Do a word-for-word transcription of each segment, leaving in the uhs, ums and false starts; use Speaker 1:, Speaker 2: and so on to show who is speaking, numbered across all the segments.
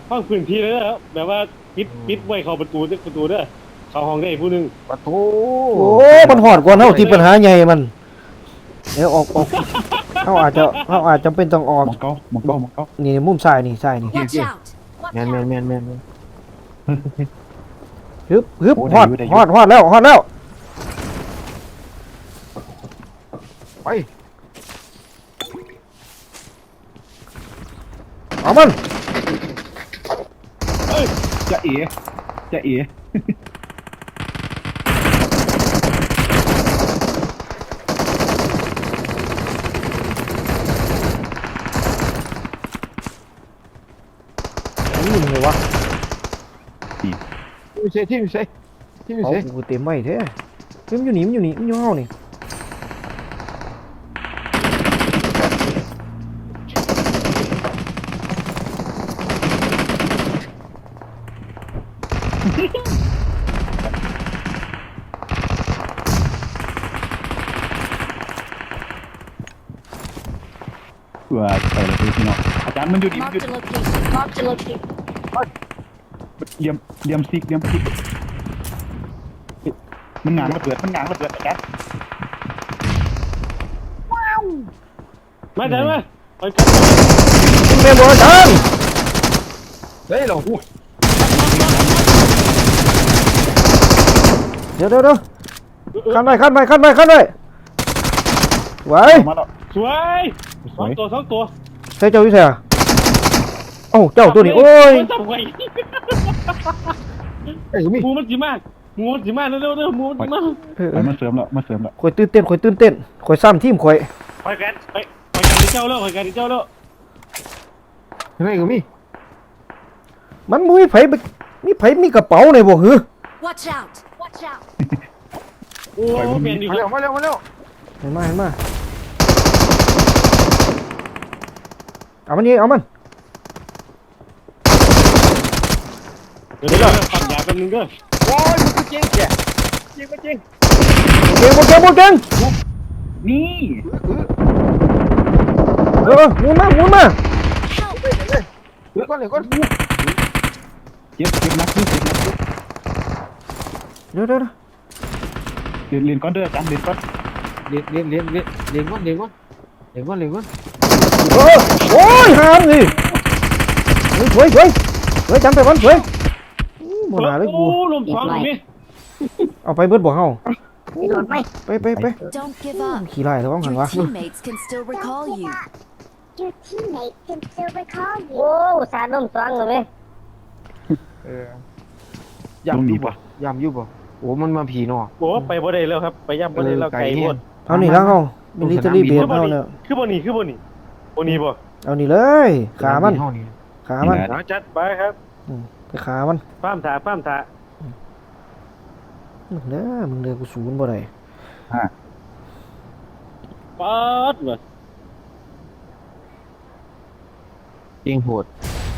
Speaker 1: ห้องพื้นที่เลยนะครับแบบว่าปิดปิดไว้เข้าประตูประตูเด้อเข้าห้องได้ผู้หนึง
Speaker 2: ประตู
Speaker 3: โอ้มันหอดกว่าเท่าที่ปัญหาใหญ่มันเดี๋ยวออกออกเขาอาจจะเขาอาจจะเป็นต้องออก
Speaker 4: มองเก้ามองเก้ามองเก้า
Speaker 3: นี่มุมซ้ายนี่ซ้ายนี่
Speaker 5: Watch out!
Speaker 2: แมนแมนแมนแมนแมน
Speaker 3: ฮึบฮึบฮอดฮอดฮอดแล้วฮอดแล้ว
Speaker 2: ไป
Speaker 3: เอามัน
Speaker 4: จะเอ๋จะเอ๋
Speaker 3: นี่มึงเลยวะ
Speaker 2: ที่ไม่ใช่ที่ไม่ใช่ที่ไม่
Speaker 3: เอา
Speaker 2: ใช่
Speaker 3: กูเต็มไว้เท่เฮ้ยมันอยู่นี่มันอยู่นี่มันอยู่ห้องนี่
Speaker 4: เผื่อไปเลยพี่น้องอาจารย์มันอยู่ดีมันอยู่
Speaker 5: Marked a location. Marked a location.
Speaker 4: เหลี่ยมเหลี่ยมซิกเหลี่ยมซิกมันงางระเบิดมันงางระเบิดอาจารย์
Speaker 1: มาได้ไหมไปกัน
Speaker 3: มึงเมมบ่จัง
Speaker 2: เฮ้ยเราอู้
Speaker 3: เดี๋ยวเดี๋ยวเดี๋ยวขั้นไปขั้นไปขั้นไปขั้นไปไหว
Speaker 4: มาแล้ว
Speaker 1: สวยส
Speaker 4: สว
Speaker 1: อง
Speaker 4: ย
Speaker 1: ตัวสองตัว
Speaker 3: ใช่เจ้าวิเศษโอ้าเจ้าตัวนี้โอ้ย
Speaker 1: จับไว้
Speaker 2: ไอ้มี
Speaker 1: หมูมันจีมากหมูมันจีมากเร็วๆเร็วหมูมันจีมาก
Speaker 3: เออ
Speaker 4: ไปมาเสริมแล้วมาเสริมแล้ว
Speaker 3: ข่อยตื่นเต้นข่อยตื่นเต้นข่อยซ้ำทีมข่อย
Speaker 1: ไปกันไปไปกันที่เจ้าแล้วไปกันที่เจ้าแล้ว
Speaker 2: เฮ้ยก็มี
Speaker 3: มันมุ้ยไผไปมีไผมีกระเป๋าในบ่หือ
Speaker 5: Watch out! Watch out!
Speaker 1: โอ้เปลี่ยนดี
Speaker 2: มา
Speaker 1: ค
Speaker 2: เร็
Speaker 1: รั
Speaker 2: ว
Speaker 1: บ
Speaker 2: มาเร็วมาเร็ว
Speaker 3: เห็นมาเห็นมาเอามันนี่เอามัน
Speaker 1: เดี๋ยวเดี๋ยวปักยาแป๊บนึงเด้อ
Speaker 2: โอ้ยมันจริงแกจริงไม่จริง
Speaker 3: เก่งบ่เก่งบ่เก่ง
Speaker 4: นี่
Speaker 3: เออหมุนมาหมุนมา
Speaker 5: Help!
Speaker 2: เดี๋ยวก่อนเดี๋ยวก่อน
Speaker 4: เจ็บเจ็บนักเจ็บนัก
Speaker 3: เดี๋ยวเดี๋ยวเดี๋ยว
Speaker 4: เรียนเรียนก้อนเด้ออาจารย์เรียนก้อน
Speaker 2: เลี้ยงเลี้ยงเลี้ยงเลี้ยงเลี้ยงก่อนเลี้ยงก่อนเลี้ยงก่อนเลี้ยงก่อน
Speaker 3: เออโอ้ยหามนี่เฮ้ยสวยสวยสวยจำไปวันสวยอู้บ่น่าเลยกู
Speaker 1: โอ้ลมสองนี่
Speaker 3: เอาไปเบิดบ่เฮาไปไปไป
Speaker 5: Don't give up.
Speaker 3: ขี่ไล่ระวังหัน
Speaker 5: Your
Speaker 3: วะ
Speaker 5: teammates can still recall you.
Speaker 6: Your teammates can still recall you.
Speaker 7: โอ้สาดนมสองเลยไหม
Speaker 2: เออยำอยู่ป่ะยำอยู่ป่ะโอ้มันมาผีเนาะ
Speaker 1: โอ้ไปบ่ได้แล้วครับไปย่ำบ่ได้แล้วไก่หมด
Speaker 3: เอานี่แล้วเฮามิลิเตอรี่เบสเฮาเนี่ย
Speaker 1: คือบ่นี่คือบ่นี่บ่นี่บ่
Speaker 3: เอานี่เลยขามัน
Speaker 2: ห้องนี้
Speaker 3: ขามัน
Speaker 1: เอาจัดไปครับ
Speaker 3: ไปขามัน
Speaker 1: ฟ้ามถาฟ้ามถา
Speaker 3: เด้อมึงเด้อกูศูนย์บ่ได้
Speaker 1: ป๊อดว่ะ
Speaker 2: เก่งโหด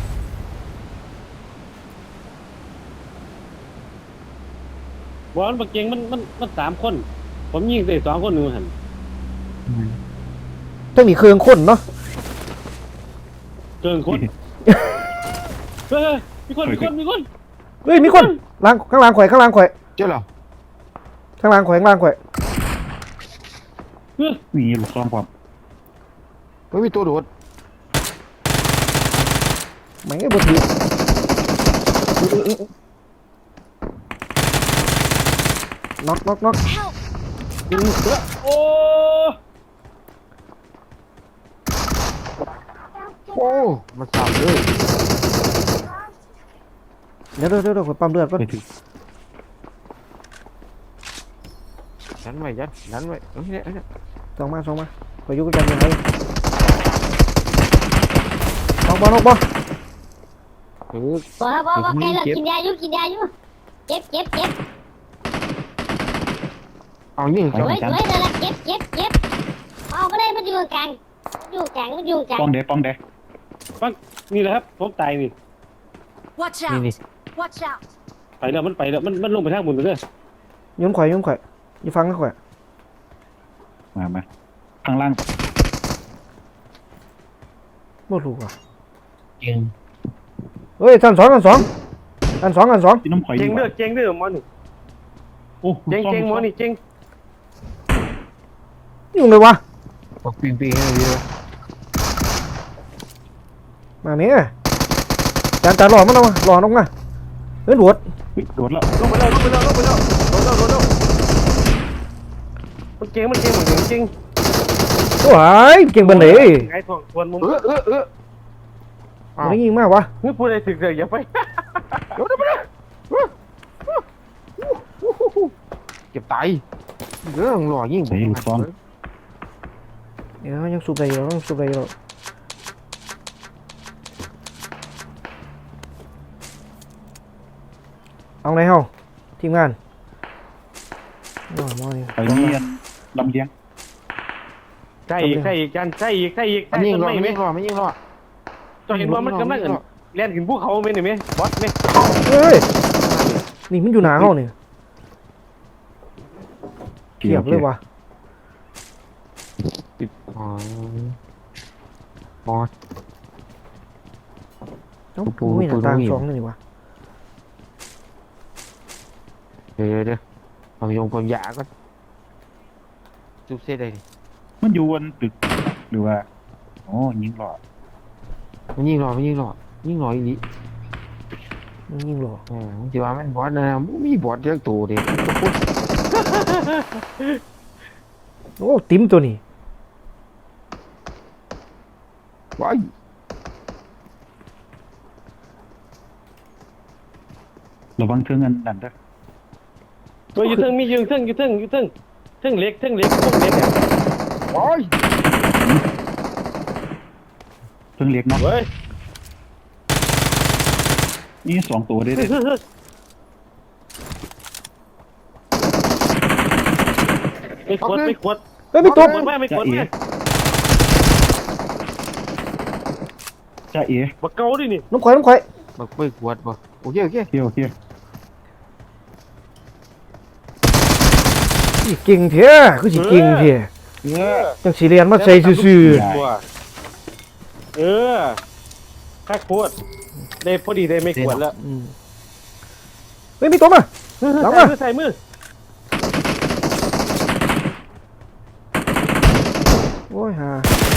Speaker 1: บอลบักเก่งมันมันมันสามคน ผมยิงได้สองคนหนึงหั่น
Speaker 3: ต้องมีเครื่องคนเนาะ
Speaker 1: เกินคนเฮ้ยมีคนมีคนมีคน
Speaker 3: เฮ้ยมีคนล้างข้างล่างข่อยข้างล่างข่อย
Speaker 2: เจ้าเหรอ
Speaker 3: ข้างล่างข่อยข้างล่างข่อย
Speaker 1: เฮ้ย
Speaker 4: มีลูกซองความ
Speaker 2: ไม่มีตัวโดด
Speaker 3: แม่งบ่ถือน็อกน็อกน็อก
Speaker 5: Help!
Speaker 1: โอ้
Speaker 2: โอ้มันสามเลย
Speaker 3: เดี๋ยวเดี๋ยวเดี๋ยวข่อยปั๊มเลือดก่อน
Speaker 4: ไปถึง
Speaker 2: ยันไว้ยันยันไว้เอ้ยเนี่ยเอ้ยเนี่ย
Speaker 3: ส่องมาส่องมาข่อยอยู่กันยังไงน็อกบ่น็อกบ่
Speaker 2: เออ
Speaker 7: บอกครับบอกว่าไก่เรากินยาอยู่กินยาอยู่เจ็บเจ็บเจ็บ
Speaker 2: เอานี่
Speaker 7: สวยสวยนั่นแหละเจ็บเจ็บเจ็บเอาไม่ได้มันอยู่กลางอยู่กลางมันอยู่กลาง
Speaker 4: ป้องเด้ป้องเด้
Speaker 1: นี่แหละครับผมตายนี่
Speaker 5: Watch
Speaker 2: นี่
Speaker 5: out!
Speaker 2: นี่
Speaker 5: Watch out!
Speaker 1: ไปแล้วมันไปแล้วมันมันลงไปทางบนเลย
Speaker 3: โยนข่อยโยนข่อยอย่าฟังนะข่อย
Speaker 4: มามาข้างล่าง
Speaker 3: บ่รู้ว่ะ
Speaker 2: เก่ง
Speaker 3: เฮ้ยชั้นสองชั้นสองชั้นสองชั้นสอง
Speaker 4: ที่น้ำข่อย
Speaker 1: เจ
Speaker 4: ดี
Speaker 1: ง
Speaker 4: ก
Speaker 1: เด้อ
Speaker 4: ว่า
Speaker 1: เจงเด้อหมอนี่
Speaker 4: โอ้
Speaker 1: เจงเจงหมอนี่เจง
Speaker 3: ยุ่งเลยวะ
Speaker 2: บอกปิงปิงให้เยอะ
Speaker 3: มาเมียจานจานหล่อมันเอามาหล่อลงมาเฮ้ยหลวด
Speaker 4: เฮ้ยโดดแล้ว
Speaker 1: ลงไปแล้วลงไปแล้วลงไปแล้วโดนแล้วโดนแล้วมันเจงมันเจงเหมือนจริง
Speaker 3: โอ้ยเก่งบันเลย
Speaker 1: ไอ้ทองทวนมุม
Speaker 2: เออเออเออ
Speaker 3: มันได้ยิงมากวะ
Speaker 1: นี่พูดอะไรถึงเดี๋ยวอย่าไป
Speaker 2: เก็บไตเรื่องหล่อยิ่ง
Speaker 4: ใส่ลูกซอง
Speaker 3: เดี๋ยวยังสูบได้อยู่ยังสูบได้อยู่เอาไหนเฮาทีมงานมอมอนี่
Speaker 4: ไปเมียนลำเลียง
Speaker 1: ใช่อีกใช่อีกจันใช่อีกใช่อีก
Speaker 2: อัน
Speaker 1: ใช่
Speaker 2: นี้
Speaker 1: ต้น
Speaker 2: หล่อ
Speaker 1: ไม้ไหม
Speaker 2: ไม่หล่อไม่ยิ่งหล่อ
Speaker 1: จอยเห็นว่ามันกำลังเล่นขึ้นภูเขาไหมนี่ไหมบอสไหม
Speaker 3: เฮ้ยนี่มันอยู่หนาเฮาเนี่ยเทียบเลยวะ
Speaker 2: อ๋อมอส
Speaker 3: ต้อง
Speaker 2: ปู
Speaker 3: ปูหน้าต่าง
Speaker 2: ปูนี่
Speaker 3: สองนี่วะ
Speaker 2: เดี๋ยวเดี๋ยวผมยงผมยาก็จุบเส้นได้ดิ
Speaker 4: มันอยู่บนตึกหรือว่าโอ้ยิงหลอด
Speaker 2: มันยิ่งหล่อมันยิ่งหล่อยิ่งหล่ออีกนิด
Speaker 3: มันยิงหล่อ
Speaker 2: อ๋อที่ว่ามันบอสนะมีบอสเยอะตัวเด็ก
Speaker 3: โอ้ติ๋มตัวนี้
Speaker 2: ว้าย
Speaker 4: ระวังเทิงอันนั่นเด้อ
Speaker 1: ตัวอยู่เทิงมีอยู่เทิงอยู่เทิงอยู่เทิงเทิงเล็กเทิงเล็กพวกเล็กเนี่ย
Speaker 2: ว้าย
Speaker 4: เทิงเล็กเนาะ
Speaker 1: เฮ้ย
Speaker 4: นี่สองตัวได้เลย
Speaker 1: ไม่ขวดไม่ขวด
Speaker 3: เฮ้ยไม่ตก
Speaker 1: ไม่ไม่ขวดไม่
Speaker 4: จ้าเอ๋
Speaker 1: บักเกาดินี่
Speaker 3: น้ำข่อยน้ำข่อย
Speaker 2: บักไปขวดบ่โอเคโอเค
Speaker 4: เที่ยวเที่ยว
Speaker 3: อีเก่งเถอะคือสิเก่งเถอะ
Speaker 1: เออ
Speaker 3: จังสีเรียนมาใส่ซื่อ
Speaker 1: ตัวเออแค่ขวดได้พอดีได้ไม่ขวดแล้ว
Speaker 3: ๆอืมเฮ้ยมีตัวมา หลัง
Speaker 1: ใส่
Speaker 3: มา
Speaker 1: มือใส่มือ
Speaker 3: โอ้ยฮา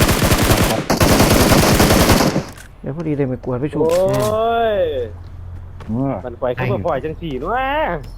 Speaker 3: เดี๋ยวพอดีเลยไม่กวดไปชู
Speaker 1: โอ้ย
Speaker 4: ว่า
Speaker 1: มันปล่อยขึ้นมาปล่อยจังสี่นู้น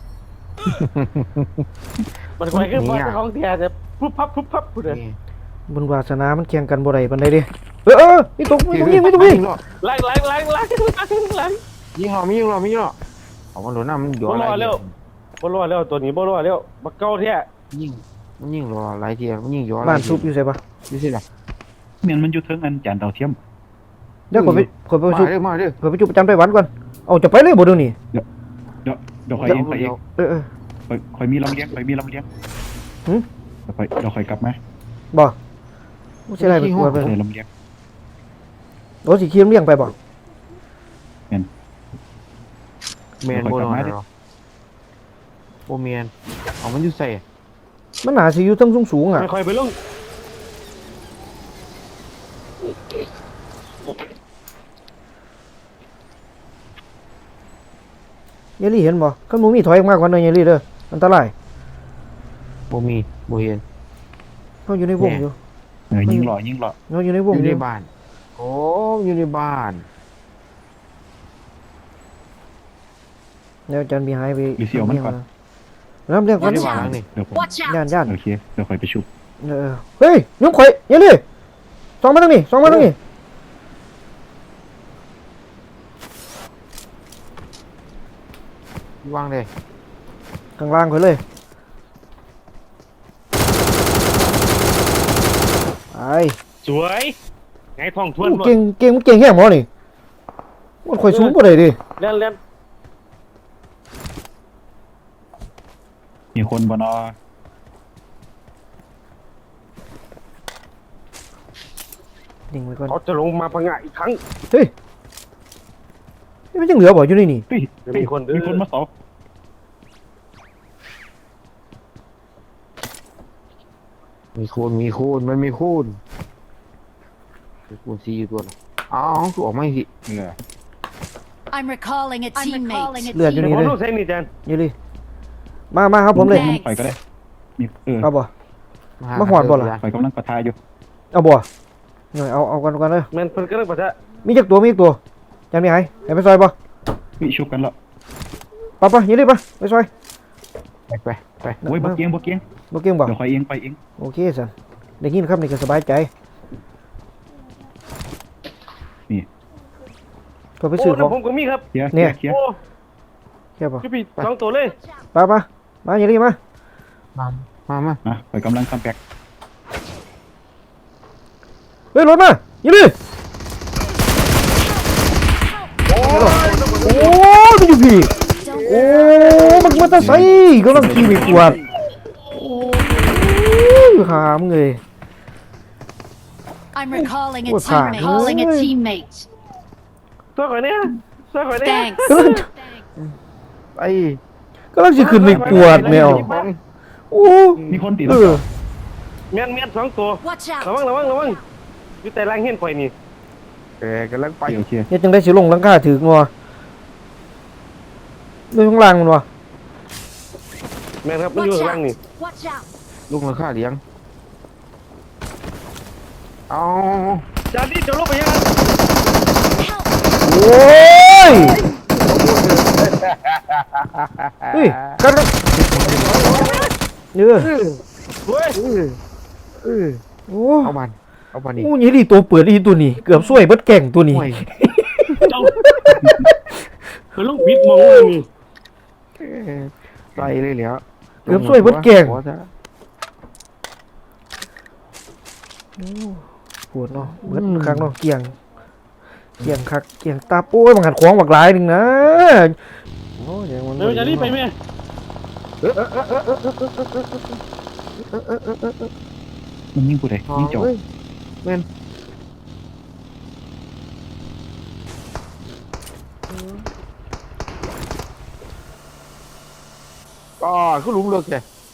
Speaker 1: มันปล่อยขึ้นมาของแท้แต่พุบพับพุบพับพูดเลย
Speaker 2: นี่
Speaker 3: บุญวาสนามันเคียงกันบ่ได้ปานใดเดิเออเออมีตกมีตกยิงมีตกยิง
Speaker 2: ยิ่งหล่อ
Speaker 1: ล้างล้างล้างล้างล้างล้าง
Speaker 2: ยิ่งหล่อไม่ยิ่งหล่อไม่ยิ่งหล่อเอามันหล่อหน้ามันหยอ
Speaker 1: บ่
Speaker 2: อะไร
Speaker 1: รอแล้วบ่รอแล้วตัวนี้บ่รอแล้วบักเก้าแท้
Speaker 2: ยิ่งมันยิ่งหล่อหลายทีมันยิ่งหยออะไร
Speaker 3: บ้านซุปอยู่ใส่ปะ
Speaker 2: ไม่ใช่หรอ
Speaker 4: เมียนมันอยู่เทิงอันจานดาวเทียม
Speaker 3: เดี๋ยวขอยไปขอยไป
Speaker 2: มา
Speaker 3: ชุบ
Speaker 2: เด้อมาเด้อ
Speaker 3: ขอยไปชุบประจำไปวันก่อนเอาจะไปเลยบ่เดี๋ยวนี้
Speaker 4: เดี๋ยวเดี๋ยวคอยเองคอยเอง
Speaker 3: เออเออ
Speaker 4: คอยคอยมีลำเลียงคอยมีลำเลียง
Speaker 3: หืม
Speaker 4: เดี๋ยวคอยเดี๋ยวคอยกลับมา
Speaker 3: บ่บ่ใช่ไรไปกวดไป
Speaker 4: ใส่ลำเลียง
Speaker 3: โอ้สิเคียมเลี้ยงไปบ่
Speaker 2: เมียนโบนอนเหรอโบเมียนเอามันอยู่ใส่
Speaker 3: มันน่าสิอยู่เทั้งสูงๆอ่ะ
Speaker 1: ไม่ค่อยไปลง
Speaker 3: เยลลี่เห็นบ่คันบ่มีถอยออกมากกว่านั้นเยลลี่เด้ออันตราย
Speaker 2: โบมีโบเห็น
Speaker 3: เฮาอยู่ในวงอยู่
Speaker 4: เออยิงหล่อยิงหล่อ
Speaker 3: เฮาอยู่ในว
Speaker 2: อง ยู่
Speaker 3: อ
Speaker 2: ใน
Speaker 3: ยู่
Speaker 2: บ้านโอ้อยู่ในบ้าน
Speaker 3: แล้วอาจารย์มีหายไป
Speaker 4: หรือเสียวมันก่อน
Speaker 3: แล้วเรียก
Speaker 2: อ
Speaker 3: กั
Speaker 2: ยู่
Speaker 3: น
Speaker 2: ในบ้านหลังนี่
Speaker 4: เดี๋ยวผม
Speaker 5: Watch
Speaker 3: ย่า
Speaker 5: out!
Speaker 3: นย่าน
Speaker 4: โอเคเดี๋ยวคอยไปชุบ
Speaker 3: เออเฮ้ยยุ่งข่อยเยลลี่สองมาทางนี้สองมาทางนี้
Speaker 2: วางเลย
Speaker 3: ข้างล่างข่อยเลยไป
Speaker 1: สวยไงทองทวนหมด
Speaker 3: เก่งเก่งมันเก่งแค่หมอนี่มันข่อยสูงบ่ได้ดิ
Speaker 1: เล่นเล่น
Speaker 4: มีคนบนอ
Speaker 3: ยิงไว้ก่อน
Speaker 1: เขาจะลงมาพังงะอีกครั้ง
Speaker 3: เฮ้ยนี่มันยังเหลือบ่อยู่นี่นี่
Speaker 4: เฮ้ย
Speaker 1: มีคนเด้อ
Speaker 4: มีคนมาเสา
Speaker 2: มีคูณมีคูณมันมีคูณมีคูณซีอยู่ตัวละอ๋อคือออกไม่สิ
Speaker 4: เออ
Speaker 5: I'm recalling a teammate.
Speaker 3: เลือดอยู่
Speaker 1: เดี๋ยว
Speaker 3: นี่
Speaker 1: ผม
Speaker 3: เลย
Speaker 1: ต้องใช้นี่แจน
Speaker 3: นี่เลยมามาครับผมเลย
Speaker 5: Thanks
Speaker 4: ไปก็ได้มีเออ
Speaker 3: เอาบ่ มาหอดบ่ล่ะ
Speaker 4: ไปกำลังปะทะอยู่
Speaker 3: เอาบ่หน่อยเอาเอากันกันเลย
Speaker 1: แม่นเพิ่นกำลังปะทะ
Speaker 3: มีจักตัวมีจักตัวจำมีไห้ไหนไปซอยบ่
Speaker 4: วิชุบกันแล้ว
Speaker 3: ปะปะยี่รีบปะไปซอย
Speaker 2: ไปไปไป
Speaker 4: โอ้ยบ่เกียงบ่เกียง
Speaker 3: บ่เก่งบ่
Speaker 4: เดี๋ยวคอยเองไปเอง
Speaker 3: โอเคสันได้ยินครับนี่ก็สบายใจ
Speaker 4: นี่
Speaker 3: ก็ไป
Speaker 1: โอ้
Speaker 3: ซื้อข
Speaker 1: แล้
Speaker 3: อ
Speaker 1: ว
Speaker 3: ง
Speaker 1: ผมก็มีครับ
Speaker 4: เคลียร์
Speaker 3: เนี่
Speaker 4: เคลี
Speaker 3: ย
Speaker 4: ยร์เคลียร์
Speaker 1: โอ้
Speaker 3: แค่บ่
Speaker 1: พี่พี่สองตัวเลย
Speaker 3: ปะปะมายี่รีบมา
Speaker 2: มามามา
Speaker 4: อ่ะไปกำลังคัมแบ็ก
Speaker 3: เฮ้ยรถมายี่รีบโอ้ยมันอยู่พี่
Speaker 5: Don't
Speaker 3: โอ้มันมาแตะไซกำลังขี่ไปกวาดโอ้ยหามเลย
Speaker 5: I'm recalling a
Speaker 3: Ủa, thả
Speaker 5: teammate. Calling a
Speaker 3: ơi.
Speaker 5: teammate.
Speaker 1: ตัวก่อนเนี่ยตัวก่อนเนี่ย
Speaker 5: Thanks.
Speaker 3: กำลัง
Speaker 2: ไอ้
Speaker 3: กำลังจะขึ้นไปกวาดแมวโอ้
Speaker 4: มีคนติด
Speaker 3: เอ
Speaker 4: แล้ว
Speaker 3: อ
Speaker 1: แม่นแม่นสองตัว
Speaker 5: Watch
Speaker 1: ระวัง
Speaker 5: out.
Speaker 1: ระวังระวังอยู่แต่ล่างเห็นข่อยนี่
Speaker 2: เออกำลังไป
Speaker 4: เดี๋ยวเคลียร์
Speaker 3: เนี่ยจังได้สิลงหลังคาถืองัวด้วยข้างล่างมันวะ
Speaker 1: แม่นครับมันอยู่
Speaker 5: Watch
Speaker 1: ข้างล่างนี่
Speaker 5: out. Watch out.
Speaker 2: ลุงราคาเลี้ยงเอา
Speaker 1: จานนี้จะลบไปยังไง
Speaker 5: Help.
Speaker 3: โอ้ยเฮ้ยกันกันเนื้อ
Speaker 1: เฮ้ย
Speaker 2: เออเออ
Speaker 3: โอ้
Speaker 2: เอามันเอามันนี่
Speaker 3: โหนี่ดิตัวเปิดอีตัวนี้เกือบช่วยเบิดแก่งตัวนี้
Speaker 2: ห่วย
Speaker 1: เจ้าคือลูกพิษมองเลยนี่
Speaker 2: เออใส่เลยแล้ว
Speaker 3: เกือบช่วยเบิดแก่ง
Speaker 2: หัวซะ
Speaker 3: ปวดเนาะเบิดครั้งเนาะเกี่ยงเกี่ยงคักเกี่ยงตาโอ้ยมันหัดขวางบักหลายหนึงนะโอ้ยอย่างมัน
Speaker 1: เดี๋ยวจานนี้ไปไหม
Speaker 4: มันยิงกูได้ยิงจบ
Speaker 2: เฮ้ยแม่นอ๋อคือหลุมเลือกแก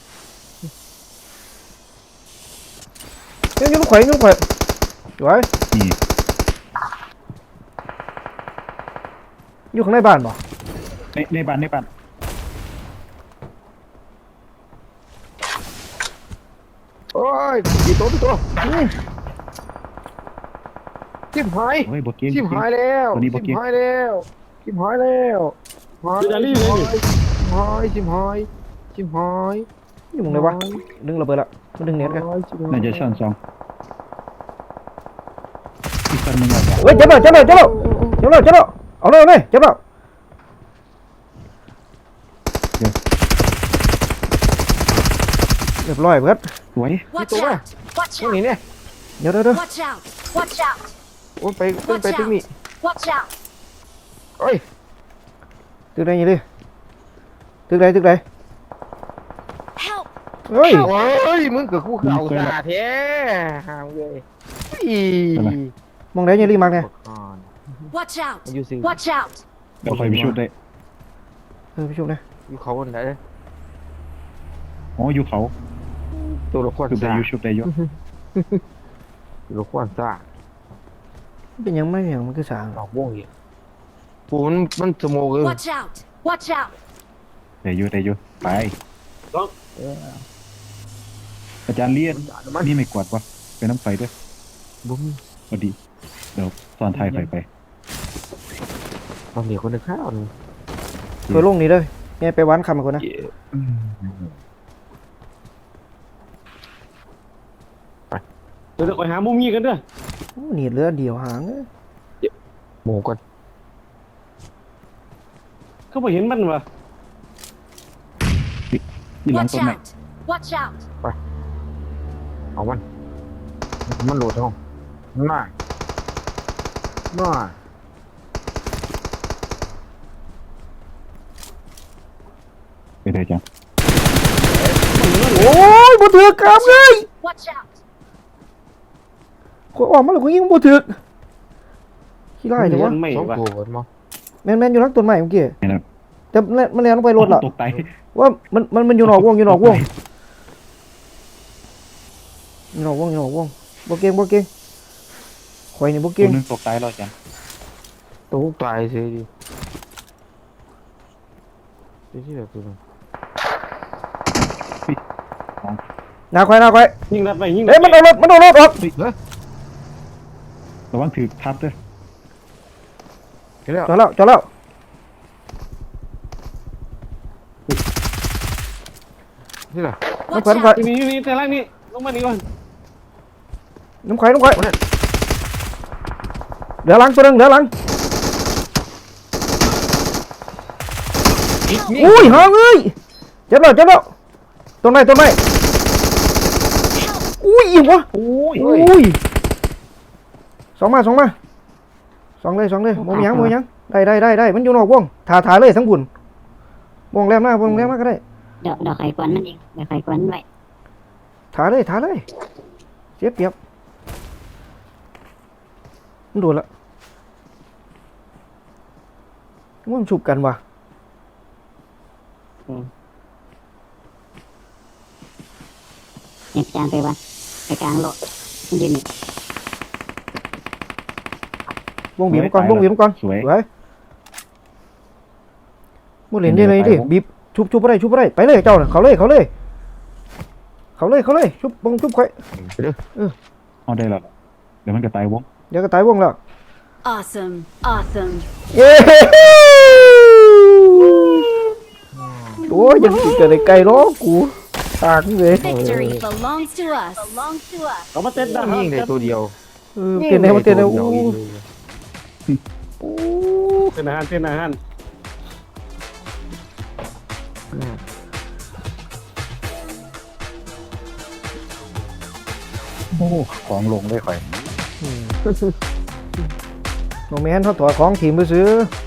Speaker 3: ยังยังลูกไข่ยังลูกไข่ไว้
Speaker 4: นี่
Speaker 3: อยู่ข้างในบ้านบ่
Speaker 4: ในในบ้านในบ้าน
Speaker 2: โอ้ยกี่ตัวกี่ตัวชิมหาย
Speaker 4: โอ้ยบ่เกียง
Speaker 2: ชิมหายแล้ว
Speaker 4: ตัวนี้บ่
Speaker 2: ชิ
Speaker 4: เกีย
Speaker 2: ม
Speaker 4: ง
Speaker 2: หายแล้วชิมหายแล้วหาย
Speaker 1: จานนี้เลยนี่
Speaker 2: ชิมหายชิมหายชิมหาย
Speaker 3: อยู่ตรงไหนวะดึงระเบิดละมาดึงเน็ตกัน
Speaker 4: น่าจะชั้นสองอีกคนหนึงอ่ะ
Speaker 3: เฮ้ยเจ็บแล้วเจ็บแล้วเจ็บแล้วเจ็บแล้วเจ็บแล้วเอาเลยเอาเลยเจ็บแล้วเรียบร้อยเบิด
Speaker 4: สวย
Speaker 5: Watch
Speaker 2: Ito ba?
Speaker 5: out. Watch
Speaker 2: ตรงนี้
Speaker 5: out.
Speaker 2: เนี่ย
Speaker 3: เดี๋ยวเดี๋ยวเดี๋ยว
Speaker 5: Watch out. Watch out.
Speaker 2: โอ้ยไปขึ้นไปตรงนี้
Speaker 5: Watch out.
Speaker 2: โอ้ย
Speaker 3: ตึกไหนยี่ดิตึกไหนตึกไหน
Speaker 5: Help.
Speaker 3: เฮ้ย
Speaker 2: โอ้ยมึงกับกูเขาสาแท้ห่างเลยอี
Speaker 3: มองไหนยี่ดิมักเนี่ย
Speaker 5: Watch out.
Speaker 2: อยู่สิ
Speaker 5: Watch out.
Speaker 4: เดี๋ยวคอยไปชุบได้
Speaker 3: เออพี่ชุบนะ
Speaker 2: อยู่เขาคนไหน
Speaker 4: อ๋ออยู่เขา
Speaker 2: ตัวละคร
Speaker 4: ชุบได้
Speaker 2: ซ่า
Speaker 4: อยู่ชุบได้อยู่
Speaker 2: ตัวละครซ่า
Speaker 3: เป็นยังไม่อย่างมันคือสาง
Speaker 2: ดอกวงอีกปูมันมันสโมกเลย
Speaker 5: Watch out. Watch out.
Speaker 4: ได้อยู่ได้อยู่ไป
Speaker 1: ลอง
Speaker 4: อาจารย์เลียน
Speaker 2: มัน
Speaker 4: นี่ไม่กวาดวะไปน้ำไฟด้วย
Speaker 2: บุ้ม
Speaker 4: พอดีเดี๋ยวตอนถ่ายไฟไป
Speaker 2: ตอนเดียวคนนึงข้าวนึง
Speaker 3: ตัวลงนี่เลยแม่ไปวันคำกับคนนะ
Speaker 1: เดี๋ยวจะไปหามุมงี้กันเด้อ
Speaker 3: โอ้หนีดเรือเดียวหางเอ้ย
Speaker 2: หมูกัน
Speaker 1: ก็ไปเห็นมันวะ
Speaker 4: นี่หลัง
Speaker 5: Watch
Speaker 4: ต้นไม้
Speaker 5: out. Watch out.
Speaker 2: เอามันมันโหลดห้องน่าน่า
Speaker 4: ไปเลยจัง
Speaker 3: โอ้ยบ่ถือกามเลย
Speaker 5: Watch out.
Speaker 3: ขอยออกมาแล้วกูยิงบ่ถือกขี้ไล่เดี๋ยววะ
Speaker 1: ไม่
Speaker 2: สอง
Speaker 1: วะ
Speaker 2: ตัวกันมั้ง
Speaker 3: แม่นแม่นอยู่หลังต้นไม้เมื่อกี้
Speaker 4: เห็นแล้ว
Speaker 3: แต่มันมันแล่นลงไปรถละ
Speaker 4: ตกใจ
Speaker 3: ว่ามันมันมันอยู่นอกวงอยู่นอกวงอยู่นอกวงอยู่นอกวงบ่เก่งบ่เก่งข่อยนี่บ่
Speaker 4: ตั
Speaker 3: เก่
Speaker 4: ว
Speaker 3: ง
Speaker 4: นึงตกใจแล้วจัง
Speaker 2: ตัวตายสิดิที่ที่เดียวตัวนึง
Speaker 3: หน้าควายหน้าควาย
Speaker 1: ยิงนัดไปยิง
Speaker 3: เอ้ยมันเอารถมันเอารถออก
Speaker 4: ระวังถือทับด้วย
Speaker 2: เห็นแล้ว
Speaker 3: จอดแล้วจอดแล้ว
Speaker 2: ที่ไหน
Speaker 3: น้ำ
Speaker 5: Watch
Speaker 3: ขวัญควาย
Speaker 5: out!
Speaker 1: นี่นี่แต่ล่างนี่ลงมานี่ก่อน
Speaker 3: น้ำควายน้ำควายเหลือหลังตัวหนึงเหลือหลังอุ้ยหางเอ้ยเจ็บแล้วเจ็บแล้วตรงไหนตรงไหนอุ้ยอีกวะ
Speaker 4: โอ้ย
Speaker 3: อุ้ยสองมาสองมาสองเลยสองเลยมองยังมองยังได้ได้ได้ได้มันอยู่นอกวงถ่าถ่าเลยทั้งบุญวงแรมหน้าวงแรมหน้าก็ได้
Speaker 7: เดี๋ยวเดี๋ยวไข่กวนมันเองเดี๋ยวไข่กวนไว้
Speaker 3: ถ่าเลยถ่าเลยเสียเปรียบมันโดนละมันฉุบกันว่ะ
Speaker 7: เนี่ยจานไปวันไปกลางโลดมันยืนอยู่
Speaker 3: วงบีบก่อนวงบีบก่อน
Speaker 4: สวย
Speaker 3: สวยมุดเหรียญได้เลยดิบีบชุบชุบอะไรชุบอะไรไปเลยเจ้าน่ะเขาเลยเขาเลยเขาเลยเขาเลยชุบบงชุบไข่
Speaker 2: ไปเด้อ
Speaker 4: เอาได้แล้วเดี๋ยวมันก็ตายวง
Speaker 3: เดี๋ยวก็ตายวงแล้ว
Speaker 5: Awesome! Awesome!
Speaker 3: เย้โอ้ยยังกินกันในไก่ล้อกูตากเลย
Speaker 5: Victory belongs to us. Belongs to us.
Speaker 1: เขามาเต้นได้
Speaker 2: ยิงได้ตัวเดียว
Speaker 3: เออเต้นได้มาเต้นได้โอ้
Speaker 2: ยิง
Speaker 3: โอ้
Speaker 1: เต้นอาหารเต้นอาหาร
Speaker 4: โอ้ของลงได้ค่อย
Speaker 3: โนแมนเขาถอดของทีมไปซื้อ